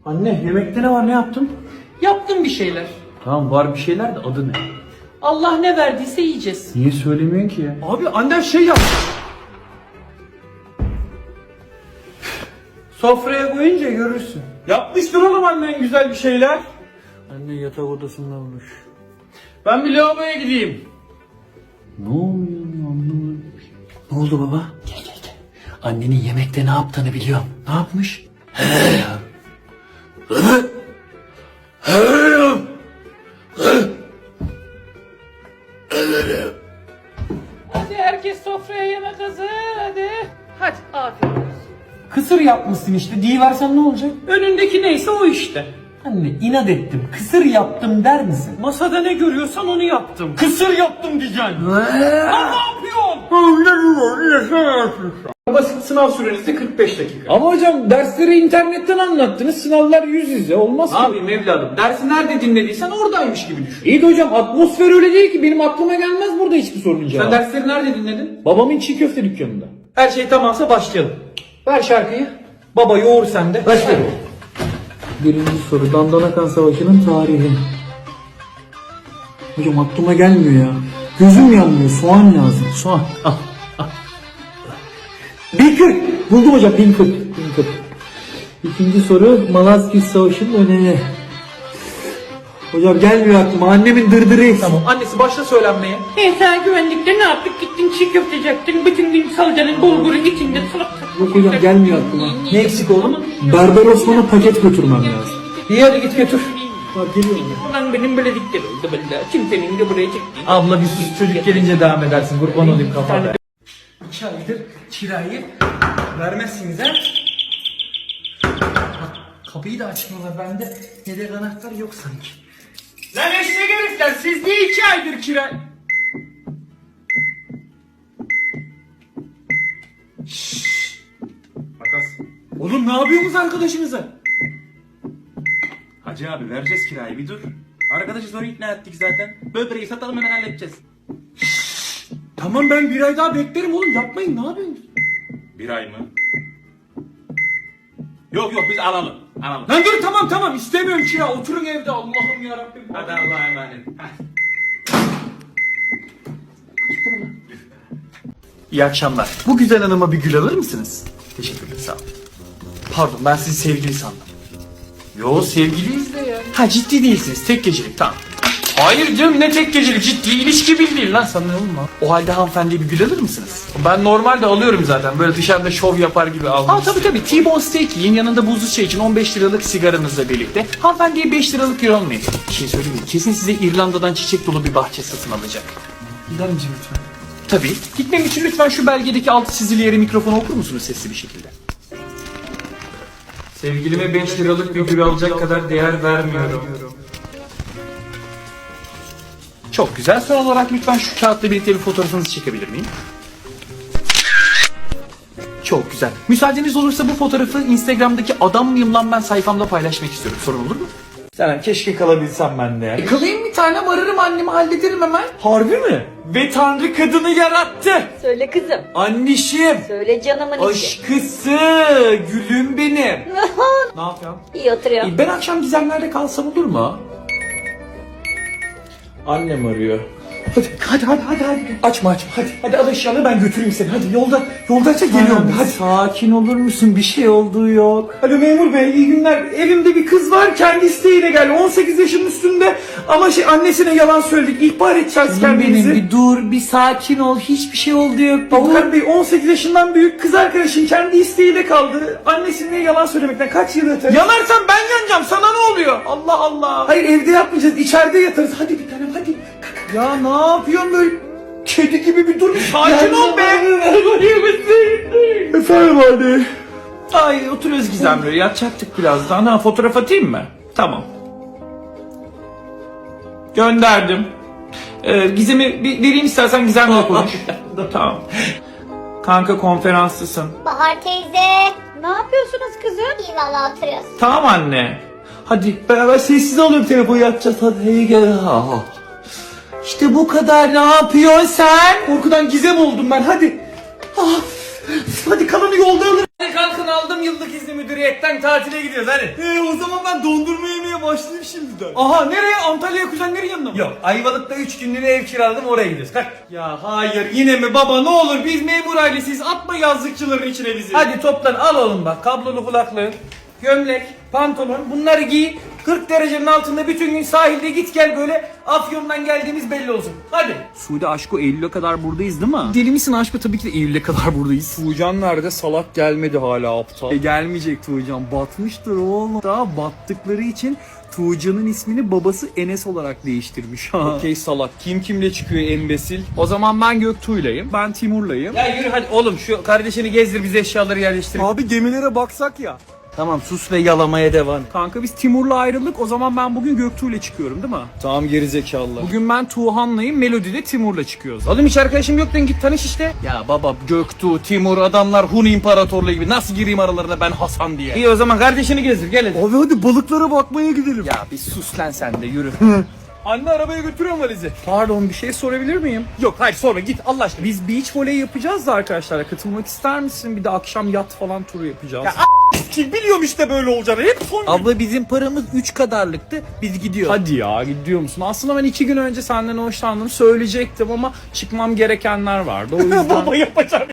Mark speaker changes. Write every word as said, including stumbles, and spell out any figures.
Speaker 1: Anne yemekte ne var, ne yaptın?
Speaker 2: Yaptım bir şeyler.
Speaker 1: Tamam, var bir şeyler de adı ne?
Speaker 2: Allah ne verdiyse yiyeceğiz.
Speaker 1: Niye söylemiyorsun ki ya? Abi annen şey yap. Sofraya koyunca görürsün. Yapmıştır oğlum annen güzel bir şeyler. Anne yatak odasında olmuş. Ben bir lavaboya gideyim. Ne oluyor anlamadım. Ne oldu baba? Gel gel gel. Annenin yemekte ne yaptığını biliyorum. Ne yapmış? He ya.
Speaker 2: Hadi herkes sofraya yemek hazır hadi. Hadi afiyet olsun.
Speaker 1: Kısır yapmışsın işte, diyiversen ne olacak?
Speaker 2: Önündeki neyse o işte.
Speaker 1: Anne inat ettim. Kısır yaptım der misin? Masada ne görüyorsan onu yaptım. Kısır yaptım diyeceksin. Lan ne yapıyorsun? Basit sınav süreniz de kırk beş dakika. Ama hocam dersleri internetten anlattınız. Sınavlar yüz yüze olmaz ki. Abi evladım, dersi nerede dinlediysen oradaymış gibi düşün. İyi de hocam atmosfer öyle değil ki, benim aklıma gelmez burada hiçbir sorun cevabı. Sen dersleri nerede dinledin? Babamın çiğ köfte dükkanında. Her şey tamamsa başlayalım. Ver şarkıyı. Baba yoğur sen de. Başlayalım. Birinci soru, Dandanakan Savaşı'nın tarihi. Hocam aklıma gelmiyor ya. Gözüm yanmıyor, soğan lazım. Soğan. Ah, ah. bin kırk. Buldum hocam, bin kırk. bin kırk. İkinci soru, Malazgirt Savaşı'nın önemi. Hocam gelmiyor aklıma, annemin dırdırı. Tamam, annesi başla söylenmeye.
Speaker 2: E sen güvenlikte ne yaptık? Gittin çiğ köfte yapacaktın. Bütün gün salcanın bulguru içinde salak salak.
Speaker 1: Yok hocam gelmiyor aklıma. Ne eksik oğlum? Berber Osman'a paket götürmem lazım. İyi hadi git götür. Bak geliyorum.
Speaker 2: Ulan benim böyle dikkat oldu böyle. Kimsenin de buraya çekti.
Speaker 1: Abla bir sus, çocuk gelince devam edersin. Kurban olayım kafada. İki aydır kirayı vermezsiniz ha? Bak, kapıyı da açmıyorlar bende. Yedek anahtar yok sanki. Lan eşek herifler, siz niye iki aydır kira... Şşşş. Makas. Oğlum ne yapıyorsunuz arkadaşınıza?
Speaker 3: Hacı abi vereceğiz kirayı, bir dur. Arkadaşı sonra ikna ettik zaten. Böbreği satalım, hemen halledeceğiz.
Speaker 1: Tamam ben bir ay daha beklerim oğlum, yapmayın, ne yapıyorsunuz?
Speaker 3: Bir ay mı? Yok yok, biz alalım. Alalım.
Speaker 1: Lan dur, tamam tamam istemiyorum kira, oturun evde, Allah'ım yarabbim.
Speaker 3: Hadi Allah'a emanet.
Speaker 1: İyi akşamlar. Bu güzel hanıma bir gül alır mısınız? Teşekkürler, sağ olun. Pardon, ben sizi sevgili sandım. Yo, sevgiliyiz de ya. Ha, ciddi değilsiniz, tek gecelik, tamam. Hayır canım, ne tek gecelik, ciddi ilişki bildiğin lan, sanıyorum mu? O halde hanımefendiye bir gül alır mısınız? Ben normalde alıyorum zaten, böyle dışarıda şov yapar gibi almışsın. Aa tabii tabii, T-bone steak yiyin, yanında buzlu çay için on beş liralık sigaranızla birlikte. Hanımefendiye beş liralık gül almayın. Bir şey söyleyeyim mi? Kesin size İrlanda'dan çiçek dolu bir bahçe satın alacak. Gider misin lütfen? Tabii. Gitmem için lütfen şu belgedeki altı çizili yere mikrofonu okur musunuz sesli bir şekilde? Sevgilime beş liralık bir gül alacak kadar değer vermiyorum. Çok güzel. Son olarak lütfen şu kağıtla birlikte bir fotoğrafınızı çekebilir miyim? Çok güzel. Müsaadeniz olursa bu fotoğrafı Instagram'daki adam mıyım lan ben sayfamda paylaşmak istiyorum. Sorun olur mu? Sen keşke kalabilsem ben de ya. E kalayım bir tanem, ararım annemi, hallederim hemen. Harbi mi? Ve Tanrı kadını yarattı.
Speaker 4: Söyle kızım.
Speaker 1: Annişim.
Speaker 4: Söyle canımın içi.
Speaker 1: Aşkısı. Gülüm benim. Ne yapıyorsun?
Speaker 4: İyi oturuyor.
Speaker 1: E, ben akşam gizemlerde kalsam olur mu? Annem arıyor. Hadi hadi hadi hadi hadi. Açma açma hadi. Hadi al eşyaları, ben götüreyim seni. Hadi yolda yoldaysa geliyorum. Hadi. Sakin olur musun? Bir şey olduğu yok. Hadi memur bey, iyi günler. Evimde bir kız var, kendi isteğiyle geldi. on sekiz yaşının üstünde ama şey, annesine yalan söyledik. İhbar edeceğiz kendimizi. Benim bir dur, bir sakin ol. Hiçbir şey olduğu yok. Avukat bey, on sekiz yaşından büyük kız arkadaşın kendi isteğiyle kaldı. Annesine yalan söylemekten kaç yıl yatar? Yanarsan ben yanacağım. Sana ne oluyor? Allah Allah. Hayır, evde yapmayacağız. İçeride yatarız. Hadi bir tanem hadi. Ya ne yapıyorsun böyle? Kedi gibi bir dur. Sakin ol be. Efendim hadi. Ay oturuyoruz Gizem'le. Yatacaktık birazdan. Ha, fotoğraf atayım mı? Tamam. Gönderdim. Ee, Gizem'i bir vereyim istersen, Gizem'le konuş. Tamam. Kanka konferanslısın.
Speaker 5: Bahar teyze.
Speaker 4: Ne yapıyorsunuz kızım?
Speaker 5: İyi valla oturuyoruz.
Speaker 1: Tamam anne. Hadi beraber sessiz alıyorum telefonu, yatacağız hadi. Hey gel. İşte bu kadar, ne yapıyorsun sen? Korkudan Gizem oldum ben, hadi. Ah, hadi kalanı yolda alırım. Hadi kalkın aldım yıllık izni müdüriyetten tatile gidiyoruz hadi. Ee, o zaman ben dondurma yemeye başlayayım şimdiden. Aha nereye? Antalya'ya kuzenlerin yanına mı? Yok Ayvalık'ta üç günlüğüne ev kiraladım oraya gidiyoruz. Kalk. Ya hayır yine mi baba ne olur biz memur ailesiyiz atma yazlıkçıların içine bizi. Hadi toplan al oğlum bak kablolu kulaklığı, gömlek, pantolon bunları giy. kırk derecenin altında bütün gün sahilde git gel böyle Afyon'dan geldiğimiz belli olsun. Hadi.
Speaker 6: Suudi Aşko Eylül'e kadar buradayız değil mi?
Speaker 1: Deli misin Aşkı? Tabii ki de Eylül'e kadar buradayız. Tuğcan nerede? Salak gelmedi hala aptal.
Speaker 6: E gelmeyecek Tuğcan. Batmıştır oğlum. Daha battıkları için Tuğcan'ın ismini babası Enes olarak değiştirmiş.
Speaker 1: Okey salak. Kim kimle çıkıyor embesil?
Speaker 6: O zaman ben Göktuğ'layım. Ben Timur'layım.
Speaker 1: Ya yürü hadi oğlum şu kardeşini gezdir bize eşyaları yerleştir.
Speaker 6: Abi gemilere baksak ya.
Speaker 1: Tamam sus ve yalamaya devam.
Speaker 6: Kanka biz Timur'la ayrıldık. O zaman ben bugün Göktuğ'la çıkıyorum değil mi?
Speaker 1: Tamam gerizekalılar.
Speaker 6: Bugün ben Tuğhan'layım. Melodi'de Timur'la çıkıyoruz.
Speaker 1: Oğlum hiç arkadaşım yok lan git tanış işte.
Speaker 6: Ya baba Göktuğ, Timur adamlar Hun İmparatorluğu gibi. Nasıl gireyim aralarına ben Hasan diye?
Speaker 1: İyi o zaman kardeşini gezdir gel hadi.
Speaker 6: Abi hadi balıklara bakmaya gidelim. Ya bir sus lan sen de yürü.
Speaker 1: Anne arabaya götürüyor valizi.
Speaker 6: Pardon bir şey sorabilir miyim?
Speaker 1: Yok hayır sorma git Allah aşkına.
Speaker 6: Biz beach voley yapacağız da arkadaşlar. Katılmak ister misin? Bir de akşam yat falan turu yapacağız.
Speaker 1: Ya Kim biliyorum işte böyle olacağını. Hep son.
Speaker 6: Abla bizim paramız üç kadarlıktı. Biz gidiyoruz. Hadi ya gidiyor musun? Aslında ben iki gün önce senden hoşlandım söyleyecektim ama çıkmam gerekenler vardı. O yüzden...
Speaker 1: Baba yapacağım